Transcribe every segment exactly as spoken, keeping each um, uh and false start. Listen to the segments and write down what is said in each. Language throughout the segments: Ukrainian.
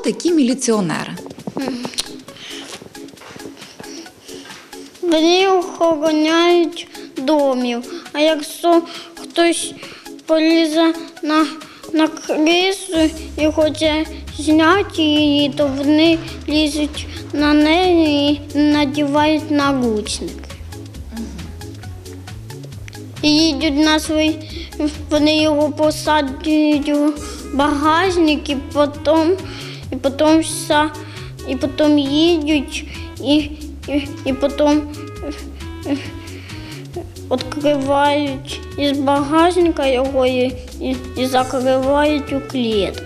такі міліціонери? Вони охороняють домів, а якщо хтось полізе на, на крису і хоче зняти її, то вони лізуть на неї і надівають наручник. І їдуть на свій, вони його посаджують у багажник, і потім, і потім, вся, і потім їдуть, і, і, і потім відкривають із багажника його і, і, і закривають у клітку.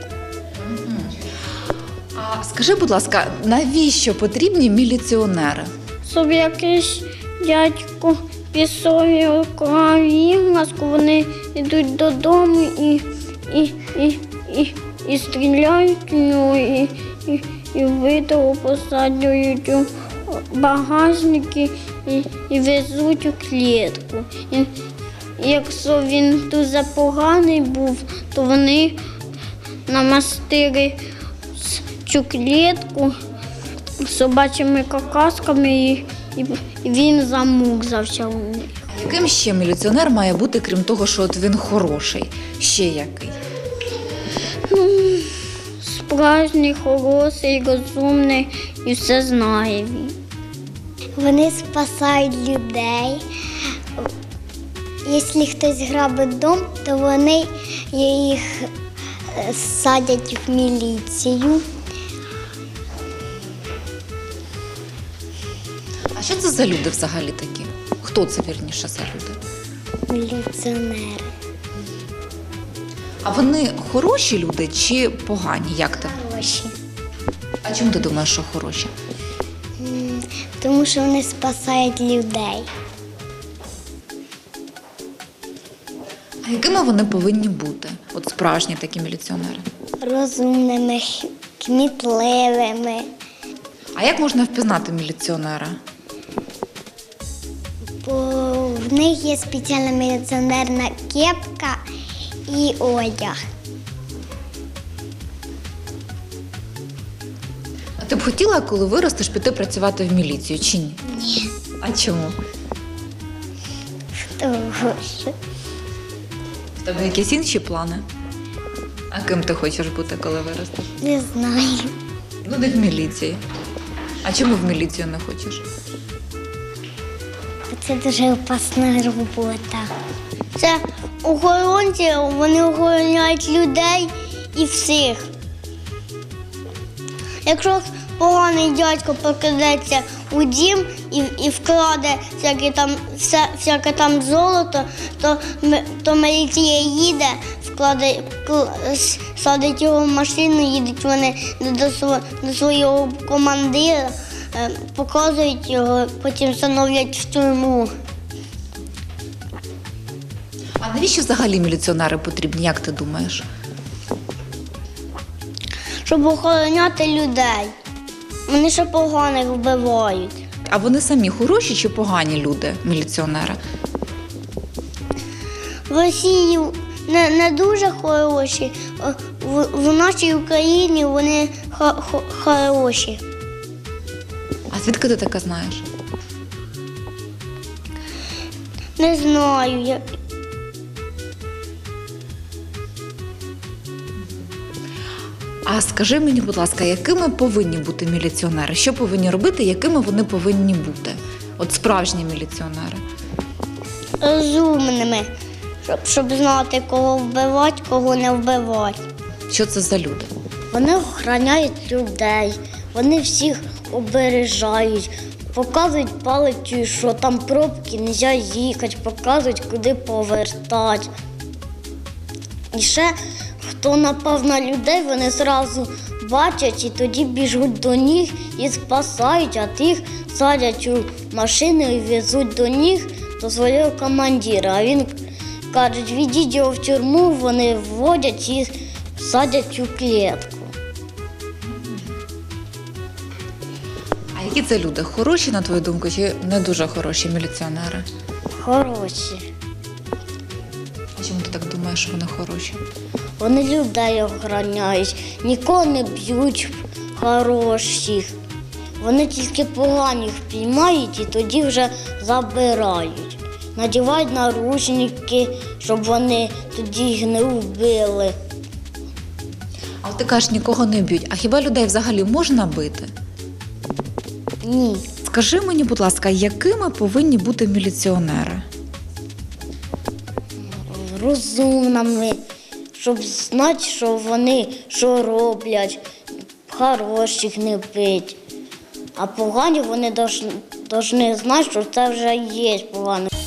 А скажи, будь ласка, навіщо потрібні міліціонери? Щоб якийсь дядько пісові кровінку, вони йдуть додому і, і, і, і, і стріляють у нього, і, і, і витягу посаджують у багажники і, і везуть у клітку. І, і якщо він дуже поганий був, то вони намастили цю клітку собачими какасками, і, і, і він замурзався у них. Яким ще міліціонер має бути, крім того, що от він хороший? Ще який? Ну, справжній, хороший, розумний і все знає він. Вони спасають людей. Якщо хтось грабить дом, то вони їх садять в міліцію. А що це за люди взагалі такі? Хто це, вірніше, за люди? Міліціонери. А вони хороші люди чи погані? Як ти? Хороші. А чому ти думаєш, що хороші? М, Тому що вони спасають людей. А якими вони повинні бути? От справжні такі міліціонери. Розумними, х- кмітливими. А як можна впізнати міліціонера? Бо в них є спеціальна міліціонерна кепка і одяг. А ти б хотіла, коли виростеш, піти працювати в міліцію чи ні? Ні. А чому? Тому що В тебе якісь інші плани? А ким ти хочеш бути, коли виростеш? не знаю. Ну, не в міліції. А чому в міліцію не хочеш? Бо це дуже опасна робота. Це охоронці, вони охороняють людей і всіх. Якщо поганий дядько покрадеться у дім і, і вкраде всяке там, вся, всяке там золото, то, ми- то міліція їде, вкладе, кл- с- садить його в машину, їдуть вони до, сво- до свого командира, е, показують його, потім встановлять в тюрму. А навіщо взагалі міліціонери потрібні, як ти думаєш? Щоб охороняти людей. Вони ще поганих вбивають. А вони самі хороші чи погані люди, міліціонери? В Росії не, не дуже хороші, а в, в нашій Україні вони хо, хо, хороші. А звідки ти таке знаєш? Не знаю. Я... А скажи мені, будь ласка, якими повинні бути міліціонери? Що повинні робити, якими вони повинні бути? От справжні міліціонери. Розумними, щоб, щоб знати, кого вбивати, кого не вбивати. Що це за люди? Вони охороняють людей, вони всіх обережають, показують палицю, що там пробки, не можна їхати, показують, куди повертати. І ще, хто напав на людей, вони одразу бачать і тоді біжуть до них і спасають, а тих садять у машину і везуть до них до свого командира. А він каже, відіть його в тюрму, вони вводять і садять у клітку. А які це люди? Хороші, на твою думку, чи не дуже хороші Вони людей охороняють, нікого не б'ють хороших. Вони тільки поганих піймають і тоді вже забирають. Надівають наручники, щоб вони тоді їх не вбили. А от ти кажеш, нікого не б'ють. А хіба людей взагалі можна бити? Ні. Скажи мені, будь ласка, якими повинні бути міліціонери? Розумними, щоб знати, що вони що роблять, хороших не бить. А погані вони повинні знати, що це вже є погано.